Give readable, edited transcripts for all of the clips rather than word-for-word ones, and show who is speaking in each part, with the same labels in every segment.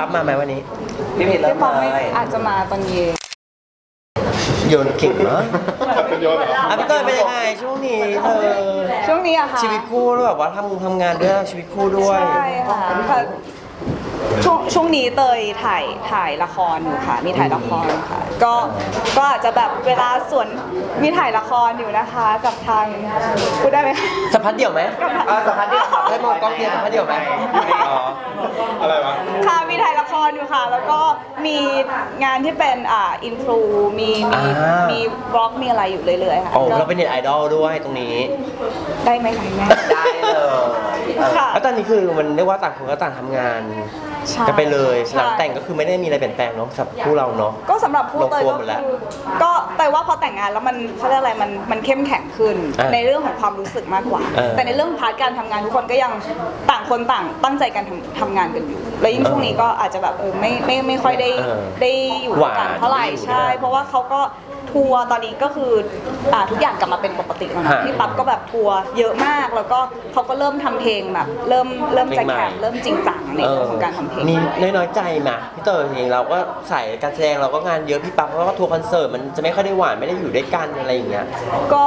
Speaker 1: บมาไหมวันนี้
Speaker 2: พี่ผิดเริ่ม
Speaker 3: พี่ป๊อป
Speaker 2: เล
Speaker 3: ไม่
Speaker 2: ย
Speaker 3: อาจจะมาตอนเย็น
Speaker 1: โยนเก่งเนาะ
Speaker 4: เป็นโยนเหรอ
Speaker 1: พี่เตยเป็นยังไงช่วงนี้เธอ
Speaker 3: ช่วงนี้อะค่ะ
Speaker 1: ชีวิตคู่ด้วยแบบว่าทำงานด้วยชีวิตคู่ด้วย
Speaker 3: ใช่ค่ะช่วงนี้เตยถ่ายละครอยู่ค่ะ มีถ่ายละครค่ะก็อาจจะแบบเวลาส่วนมีถ่ายละครอยู่นะคะกับทางพูดได้ไหม
Speaker 1: สัมภาษณ์เดี่ยวไหม
Speaker 2: สัมภาษณ์เดียว
Speaker 1: ได้มองกล้องเดียวสัมภาษณ์เดี่ยวไหมอ๋อ
Speaker 4: อะไรวะ
Speaker 3: ค่ะมีถ่ายละครอยู่ค่ะ แล้วก็มีงานที่เป็นอินฟลูมีบล็อกมีอะไรอยู่เรื่อยๆค่ะ
Speaker 1: โอ้
Speaker 3: ก็
Speaker 1: เราเป็นเน็ตไอดอลด้วยตรงนี้
Speaker 3: ได้ไหมคะแม่
Speaker 2: ได้เลย
Speaker 3: ค่ะ
Speaker 1: แล้วตอนนี้คือมันเรียกว่าต่างคนก็ต่างทำงาน
Speaker 3: ใช่
Speaker 1: กันไปเลย
Speaker 3: ใช่
Speaker 1: หลังแต่งก็คือไม่ได้มีอะไรเปลี่ยนแปลงเนาะสำหรับคู่เราเนาะ
Speaker 3: ก็สำหรับผู้เตย
Speaker 1: ลงตัว
Speaker 3: ก็
Speaker 1: หมดแล้ว
Speaker 3: คือก็เตยว่าพอแต่งงานแล้วมันเขาเรียกอะไรมันเข้มแข็งขึ้น ในเรื่องของความรู้สึกมากกว่า แต่ในเรื่องพาร์ทการทำงานทุกคนก็ยังต่างคนต่างตั้งใจกันทำงานกันอยู่ แล้วยิ่งช่วงนี้ก็อาจจะแบบไม่ค่อยได้อยู่ด้วยกันเท่าไหร่ใช่ เพราะว่าเขาก็ทัวร์ตอนนี้ก็คือทุกอย่างกลับมาเป็นปกติแล้วนะพี่ปั๊บก็แบบทัวร์เยอะมากแล้วก็เขาก็เริ่มทำเพลงแบบเริ่มจะแข่งเริ่มจริงจังในเรื่องของการทำเพลง
Speaker 1: มีน้อยใจไหมพี่เต๋อเองเราก็ใส่การแสดงเราก็งานเยอะพี่ปั๊บเขาก็ทัวร์คอนเสิร์ตมันจะไม่ค่อยได้หวานไม่ได้อยู่ด้วยกันอะไรอย่างเงี้ย
Speaker 3: ก็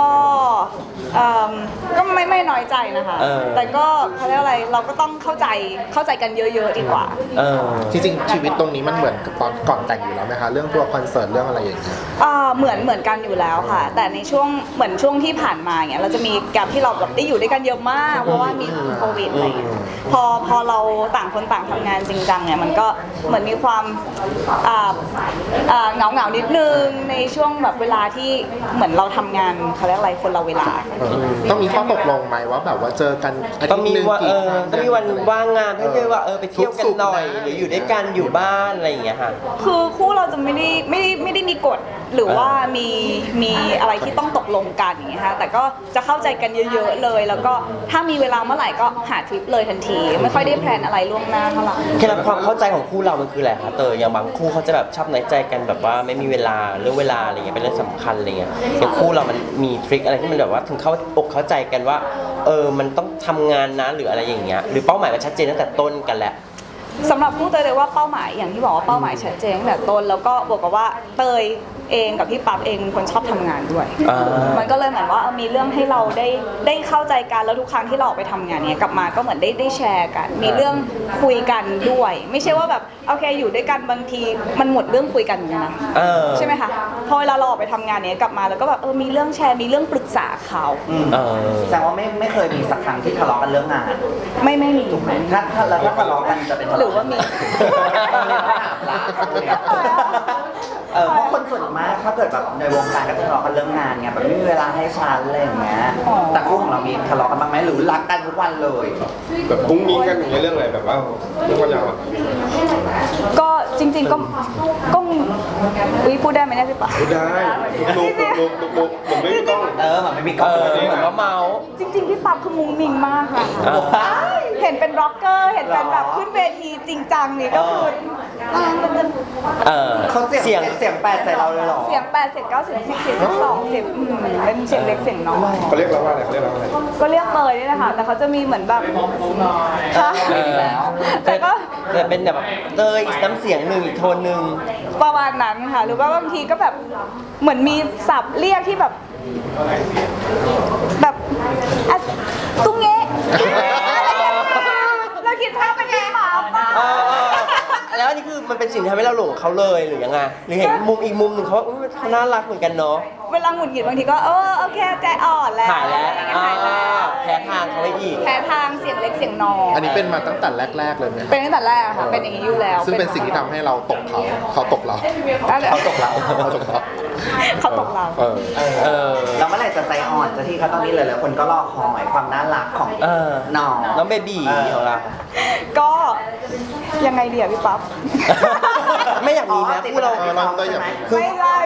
Speaker 3: ก็ไม่น้อยใจนะคะ แต่ก็เขาเรียกอะไรเราก็ต้องเข้าใจกันเยอะๆดีกว่า
Speaker 4: จริงๆชีวิตตรงนี้มันเหมือนกับตอนก่อนแต่งอยู่แล้วไหมคะเรื่องตัวคอนเสิร์ตเรื่องอะไรอย่างเงี้ย
Speaker 3: เหมือนกันอยู่แล้วค่ะ แต่ในช่วงที่ผ่านมาเงี้ยเราจะมีแกลที่เราแบบได้อยู่ด้วยกันเยอะมาก เพราะว่ามีโควิดอะไรเงี้ยพอเราต่างคนต่างทำงานจริงจังเนี่ยมันก็เหมือนมีความเหงานิดนึงในช่วงแบบเวลาที่เหมือนเราทำงานเขาเรียกอะไรคนละเวลา
Speaker 4: ต้องมีข้อตกลงไหมว่าแบบว่าเจอกันอา
Speaker 1: ต้
Speaker 4: ทิ
Speaker 1: อง
Speaker 4: ตย์
Speaker 1: มี
Speaker 4: หนึ่ง
Speaker 1: ว่า
Speaker 4: กี่ครั้ง
Speaker 1: ต้องมีวันว่างงานให้เยอะว่าไปเที่ยวกันหน่อยหรืออยู่ด้วยกันอยู่บ้านอะไรอย่างเงี้ยค่ะ
Speaker 3: คือคู่เราจะไม่ได้มีกฎหรือว่ามีอะไรที่ต้องตกลงกันอย่างเงี้ยค่ะแต่ก็จะเข้าใจกันเยอะๆเลย แล้วก็ถ้ามีเวลาเมื่อไหร่ก็หาทริปเลยทันที ไม่ค่อยได้แพลนอะไรล่วงหน้าเท่าไหร่
Speaker 1: เคล็ดลับความเข้าใจของคู่เรามันคืออะไรคะเตยอย่างบางคู่เขาจะแบบชอบน้อยใจกันแบบว่าไม่มีเวลาเรื่องเวลาอะไรเงี้ยเป็นเรื่องสำคัญอะไรเงี้ยอย่างคู่เรามันมีทริคอะไรที่มันแบบว่าถึงเข้าอกเข้าใจกันว่ามันต้องทำงานนะหรืออะไรอย่างเงี้ยหรือเป้าหมายมันชัดเจนตั้งแต่ต้นกันแหละ
Speaker 3: สำหรับผู้เตยเลยว่าเป้าหมายอย่างที่บอกว่าเป้าหมายชัดเจนตั้งแต่ต้นแล้วก็บวกกับว่าเตยเองกับพี่ปั๊บเองเป็นคนชอบทำงานด้วย มันก็เลยเหมือนว่ามีเรื่องให้เราได้เข้าใจกันแล้วทุกครั้งที่เราออกไปทำงานเนี้ยกลับมาก็เหมือนได้แชร์กัน มีเรื่องคุยกันด้วย ไม่ใช่ว่าแบบโอเคอยู่ด้วยกันบางทีมันหมดเรื่องคุยกันอยู่นะใช่ไหมคะพอเวลาเราออกไปทำงานเนี้ยกลับมาแล้วก็แบบมีเรื่องแชร์มีเรื่องปรึกษาเขา
Speaker 2: แสดงว่าไม่เคยมีสักครั้งที่ทะเลาะกันเรื่องงาน
Speaker 3: ไม่มี
Speaker 2: ถูกไหมถ้าทะเลาะกันจะเป็นทะ
Speaker 3: หรื
Speaker 2: เลาะ
Speaker 3: อว่ามี
Speaker 2: เพราะคนส่วนมากถ้าเกิดแบบในวงการก็ทะเลาะกันเรื่องงานไงแบบไม่มีเวลาให้ฉันอะไรอย่างเงี้ยแต่คู่ของเรามีทะเลาะกันบ้างไหมหรือรักกันทุกวันเลย
Speaker 4: แบบมุ้งมิ้งกันอย่างเงี้ยเรื่องอะไรแบบว่าเรื่องความยาวอะ
Speaker 3: ก็จริงๆก็พูดได้ไหมเนี่ยพี่ป๋า
Speaker 4: พูดได้ลุกผมไม่ต้อง
Speaker 2: เหมือนไม่มีกล้อง
Speaker 1: เหมือนว่าเมาส์
Speaker 3: จริงๆพี่ปั๊บคือมุ้งมิ้งมากค่ะเห็นเป็นร็อกเกอร์เห็นเป็นแบบขึ้นเวทีจริงจังนี่ก็คือมันจะ
Speaker 2: เขาเสียงแปดใส่เราเลยเหรอ
Speaker 3: เสียง8เสียง9เสียง10เสียง12เสียงเป็นเสียงเล็กเสียงน้อย
Speaker 4: เขาเรียกเราว่าอะไรเขาเรียกเราว่าอะไร
Speaker 3: ก็เรียกเตยนี่แหละค่ะแต่เขาจะมีเหมือนแบบค่ะแต่ก็
Speaker 1: แต่เป็นแบบเตยอีกน้ำเสียงหนึ่งอีกโทนหนึ่ง
Speaker 3: ประมาณนั้นค่ะหรือว่าบางทีก็แบบเหมือนมีศัพท์เรียกที่แบบอะตุ้งเงะเราคิดภาพเป็นยังไงมาป่ะ
Speaker 1: แล้วอันนี้คือมันเป็นสิ่งที่ทำให้เราหลงเขาเลยหรือยังไงหรือเห็นมุมอีกมุมหนึ่งเขาว่าเขาน่ารักเหมือนกันเนาะ
Speaker 3: เวลาหงุดหงิดบางทีก็โอเคใจอ่อนแล้ว
Speaker 1: ถ่ายแล้ว
Speaker 3: ถ่ายแล้ว
Speaker 1: แพ้ทางเขาไปอีก
Speaker 3: แพ้ทางเสียงเล็กเสียงน้อย
Speaker 4: อันนี้เป็นมาตั้งแต่แรกๆเลยไหมค
Speaker 3: เป็
Speaker 4: รับ
Speaker 3: นตั้งแต่แรกค่ะเป็นอย่างนี้อยู่แล้ว
Speaker 4: ซึ่งเป็นสิ่งที่ทำให้เราตกเขาตกเรา
Speaker 2: เขาตกเรา
Speaker 4: เขาตกเรา
Speaker 3: เขาตกเรา
Speaker 2: แล้วเมื่อไหร่จะใจอ่อนจะที่เขาตอนนี้เลยคนก็รอคอยความน่ารักของน้อง
Speaker 1: น้องเบบีของเรา
Speaker 3: ก็ยังไงดีอะพี่ปั๊บ
Speaker 1: ไม่อยากมีนะคู่เรา
Speaker 4: เราก็อยาก
Speaker 3: ไม่ได้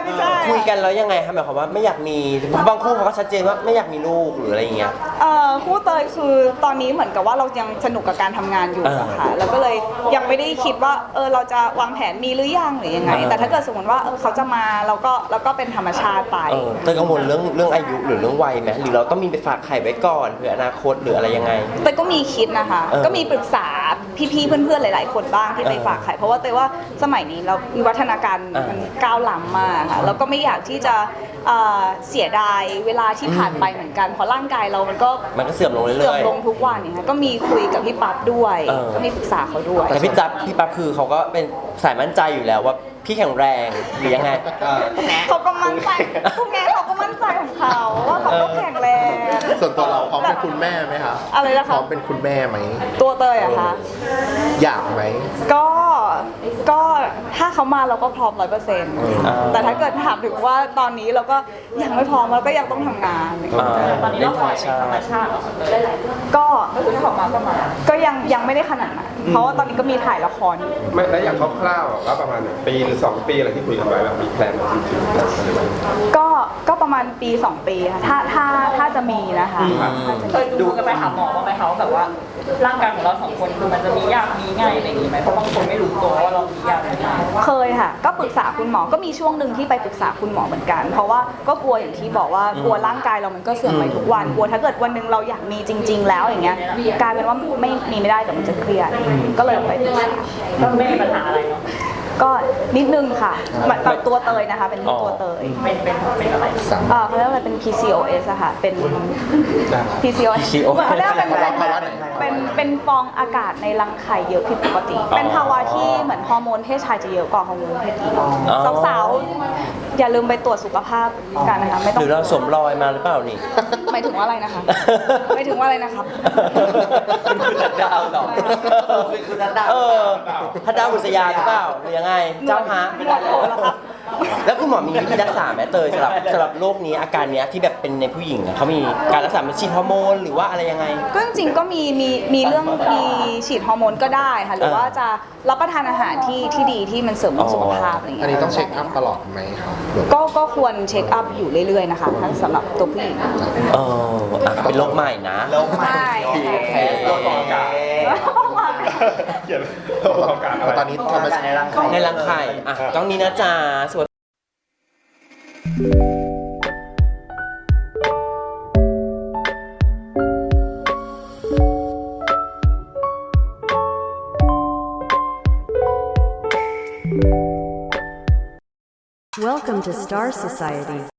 Speaker 3: ไม่ใช่
Speaker 1: คุยกันแล้วยังไงคะหมายความว่าไม่อยากมีบางคู่เขาก็ชัดเจนว่าไม่อยากมีลูกหรืออะไรอย่างเงี้ย
Speaker 3: คู่เตยคือตอนนี้เหมือนกับว่าเรายังสนุกกับการทำงานอยู่อะค่ะแล้วก็เลยยังไม่ได้คิดว่าเราจะวางแผนมีหรือยังหรือยังไง แต่ถ้าเกิดสมมติว่าเขาจะมาเราก็เป็นธรรมชาติไป
Speaker 1: เตยกังวลเรื่องอายุหรือเรื่องวัยไหมหรือเราต้องมีไปฝากไข่ไว้ก่อนเผื่ออนาคตหรืออะไรยังไง
Speaker 3: เตยก็มีคิดนะคะ ก็มีปรึกษาพี่ๆเพื่อนๆหลายๆคนบ้างที่ไปฝากไข่เพราะว่าเตยว่าสมัยนี้เราวิวัฒนาการมันก้าวล้ำมากค่ะแล้วก็ไม่อยากที่จะเสียดายเวลาที่ผ่านไปเหมือนกันเพราะร่างกายเรามันก็
Speaker 1: เสื่อมลงเรื่อยๆ
Speaker 3: เสื่อมลงทุกวันเนี่ยค่ะก็มีคุยกับพี่ปั๊บด้วย ก็มีปรึกษาเขาด้วย
Speaker 1: แต่พี่ปั๊บคือเขาก็เป็นสายมั่นใจอยู่แล้วว่าพี่แข็งแรงหรือยังไง
Speaker 3: เขาก็มั่นใจพวกแกเขาก็มั่นใจของเขาว่าเขาก็แข็งแรง
Speaker 4: ส่วนตัวเราพร้อมเป็นคุณแม่ไหมคะ
Speaker 3: อะไรนะคะ
Speaker 4: พร้อมเป็นคุณแม่ไหม
Speaker 3: ตัวเตยอะคะ
Speaker 4: อยากไหม
Speaker 3: ก็ถ้าเขามาเราก็พร้อม100%แต่ถ้าเกิดถามถึงว่าตอนนี้เราก็ยังไม่พร้อมเราก็ยังต้องทำงาน
Speaker 1: ตอนนี้เราปล่อยเป็นธรรมชาติ
Speaker 3: ก็คือถ้าออกมาก็มาก็ยังไม่ได้ขนาดนั้นเพราะว่าตอนนี้ก็มีถ่ายละครอยู่
Speaker 5: ไม่แล้วอย่างคร่าวๆว่าประมาณ1 ปีหรือ 2 ปีอะไรที่คุยกันไว้แบบมีแพลนจริงๆ
Speaker 3: ก็ประมาณปี 2 ปีค่ะถ้าจะมีนะคะ
Speaker 6: เคยดูกันไปหาหมอบ้างไหมคะว่าแบบว่าร่างกายของเราสองคนคือมันจะมียากมีง่ายอะไรอย่างนี้ไหมเพราะบางคนไม่รู้ตัวว่าเรามียากมีง่าย
Speaker 3: เคยค่ะ ก็ปรึกษาคุณหมอก็มีช่วงหนึ่งที่ไปปรึกษาคุณหมอเหมือนกัน เพราะว่าก็กลัวอย่างที่บอกว่ากลัวร่างกายเรามันก็เสื่อมไปทุกวันกลัวถ้าเกิดวันหนึ่งเราอยากมีจริง ๆ แล้วอย่างเงี้ยกลายเป็นว่าไม่ได้แต่มันจะเครียดก็เลยไปปรึกษา
Speaker 6: ก็ไม่มีปัญหาอะไรเนาะ
Speaker 3: ก็นิดนึงค่ะแบบตัวเตยนะคะเป็นตัวเตย
Speaker 6: เป็นอะไร
Speaker 3: เขาเรียกว่าอะไรเป็น PCOS อะค่ะเป็น PCOS เหมือนเขาเรียกว่าเป็นฟองอากาศในรังไข่เยอะผิดปกติ เป็นภาวะที่เหมือนฮอร์โมนเพศชายจะเยอะกว่าฮอร์โมนเพศหญิงสาวๆอย่าลืมไปตรวจสุขภาพกันนะคะไม่ต้อ
Speaker 1: ห
Speaker 3: ง
Speaker 1: รือเราสวมรอยมาหรือเปล่านี่
Speaker 3: หมายถึงว่าอะไรนะคะหมายถึงว่าอะไรนะครับ
Speaker 1: เป็นคุณทัดดาวเหรอ
Speaker 2: เป็นคุณทัดดาว
Speaker 1: ทัดดาวบุษยาหรือเปล่าหรือยังไงเจ้าฮะ
Speaker 3: หนวดโผล่แล้วครับ
Speaker 1: แล้วคุณหมอมีวิธีรักษาไหมเตยสำหรับโรคนี้อาการเนี้ยที่แบบเป็นในผู้หญิงอะเขามีการรักษาเป็นฉีดฮอร์โมนหรือว่าอะไรยังไง
Speaker 3: ก็จริงๆก็มีเรื่องมีฉีดฮอร์โมนก็ได้ค่ะหรือว่าจะรับประทานอาหารที่ดีที่มันเสริมสุขภาพอะไรอย่าง
Speaker 4: อัน
Speaker 3: เงี้
Speaker 4: นี้
Speaker 3: ย
Speaker 4: ต้องเช็คอัพตลอดไหมครับหรือ
Speaker 3: ก็ควรเช็คอัพอยู่เรื่อยๆนะคะทั้งสำหรับตัวผู้หญิง
Speaker 1: เป็นโรคใหม่นะ
Speaker 2: แล้วใหม่
Speaker 3: ใช่
Speaker 5: โรคฟองอากาศเขียนโรคฟองอากาศอะไร
Speaker 4: ตอนนี้ธรรมชาติ
Speaker 2: ในรังไข่
Speaker 1: ในรังไข่กล้องนี้นะจ๊ะสวย
Speaker 7: Welcome to Star Society.